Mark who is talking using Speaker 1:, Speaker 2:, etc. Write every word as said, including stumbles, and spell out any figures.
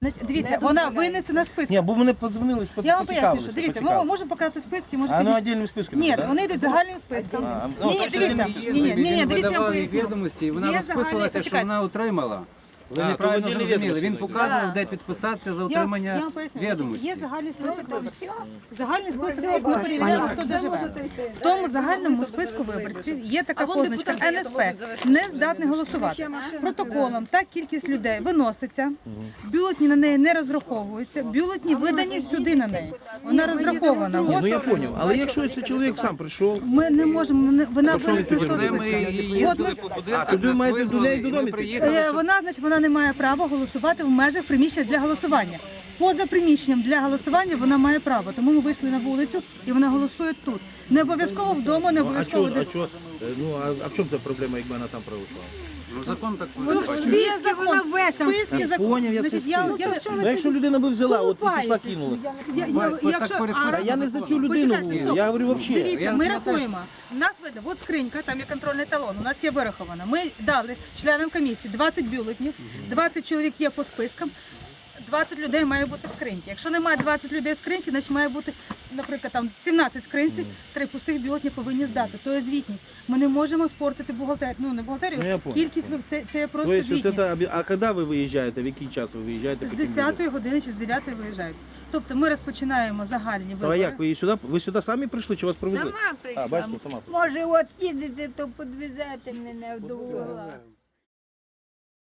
Speaker 1: Значить, дивіться, вона винесена списки.
Speaker 2: Ні, бо мене подзвонили,
Speaker 1: Я вам поясню, що дивіться, ми можемо показати списки, може
Speaker 2: А ну
Speaker 1: підійти.
Speaker 2: отдельними списками,
Speaker 1: Ні,
Speaker 2: да?
Speaker 1: вони йдуть загальним списком.
Speaker 2: А,
Speaker 1: Ні,
Speaker 2: ну,
Speaker 1: ні,
Speaker 2: так,
Speaker 1: дивіться,
Speaker 2: що
Speaker 1: ні, ні, ні, ні,
Speaker 3: Він
Speaker 1: дивіться, я вам
Speaker 3: видавав їй
Speaker 1: поясню.
Speaker 3: відомості, і вона
Speaker 1: Є
Speaker 3: розписувалася,
Speaker 1: загальний-
Speaker 3: що вона отримала. Ви
Speaker 2: А,
Speaker 3: неправильно
Speaker 2: то
Speaker 3: зрозуміли.
Speaker 2: віддільні
Speaker 3: Він
Speaker 2: відомості
Speaker 3: показував, де підписатися за
Speaker 1: Я, я
Speaker 3: отримання
Speaker 1: вам поясню,
Speaker 3: відомості.
Speaker 1: є загальний список виборців. Загальний список, ми перевіряємо, хто де живе. В тому загальному списку виборців є така позначка ен ес пе, не здатний голосувати. Протоколом та кількість людей виноситься, бюлетні на неї не розраховуються, бюлетні видані сюди на неї. Вона розрахована.
Speaker 2: Ну я
Speaker 1: От
Speaker 2: зрозумів, але якщо цей чоловік сам прийшов,
Speaker 1: ми не можемо, не- вона
Speaker 2: що ви
Speaker 1: винесена з
Speaker 2: тоді
Speaker 1: того
Speaker 3: Це ми
Speaker 1: списку.
Speaker 3: їздили по
Speaker 2: А,
Speaker 3: будинках,
Speaker 2: туди
Speaker 3: нас
Speaker 2: маєте
Speaker 3: визвали,
Speaker 2: людей
Speaker 3: і
Speaker 2: додому
Speaker 3: ми
Speaker 2: йти?
Speaker 3: приїхали,
Speaker 1: Е,
Speaker 3: щоб
Speaker 1: Вона, значить, вона не має права голосувати в межах приміщення для голосування. Поза приміщенням для голосування вона має право, тому ми вийшли на вулицю і вона голосує тут. Не обов'язково вдома, не
Speaker 2: а
Speaker 1: обов'язково
Speaker 2: чого,
Speaker 1: де.
Speaker 2: а чого, е, ну а, а в чому та проблема, якби вона там пройшла?
Speaker 3: ну, закон так
Speaker 1: Ну, в
Speaker 3: передбачає.
Speaker 1: списке вона весь списки
Speaker 2: Я
Speaker 1: закон.
Speaker 2: поняв, я це
Speaker 1: Значить, я, я,
Speaker 2: список. Ну якщо людина би взяла, от і пішла кинула.
Speaker 1: я, я,
Speaker 3: Ви- ви
Speaker 1: якщо,
Speaker 3: так переписуєте.
Speaker 2: А я не за цю людину
Speaker 1: Почекайте,
Speaker 2: говорю,
Speaker 1: стоп.
Speaker 2: я говорю взагалі.
Speaker 1: Дивіться,
Speaker 3: Я
Speaker 1: ми
Speaker 3: пам'ятаю,
Speaker 1: рахуємо. У нас видно, от скринька, там є контрольний талон, у нас є вираховано. Ми дали членам комісії двадцять бюлетнів, двадцять чоловік є по спискам, двадцять людей має бути в скриньці. Якщо немає двадцять людей в скриньці, значить має бути, наприклад, там сімнадцять скринці, три пустих бюлетні повинні здати. То є звітність. Ми не можемо спортити бухгалтерію, ну не бухгалтерію,
Speaker 2: Ну, я понял.
Speaker 1: кількість, ви- це, це є просто
Speaker 2: Тобто, от
Speaker 1: звітність.
Speaker 2: это, а коли ви виїжджаєте, в який час ви виїжджаєте?
Speaker 1: З
Speaker 2: по тим
Speaker 1: десятої години чи з дев'ятої виїжджають. Тобто ми розпочинаємо загальні
Speaker 2: людям? А
Speaker 1: вибори.
Speaker 2: як, ви сюди, ви сюди самі прийшли, чи вас провели?
Speaker 4: Сама прийшла.
Speaker 2: А, бачите, сама прийшла.
Speaker 4: Може, от їдете, то підвезете мене до угла.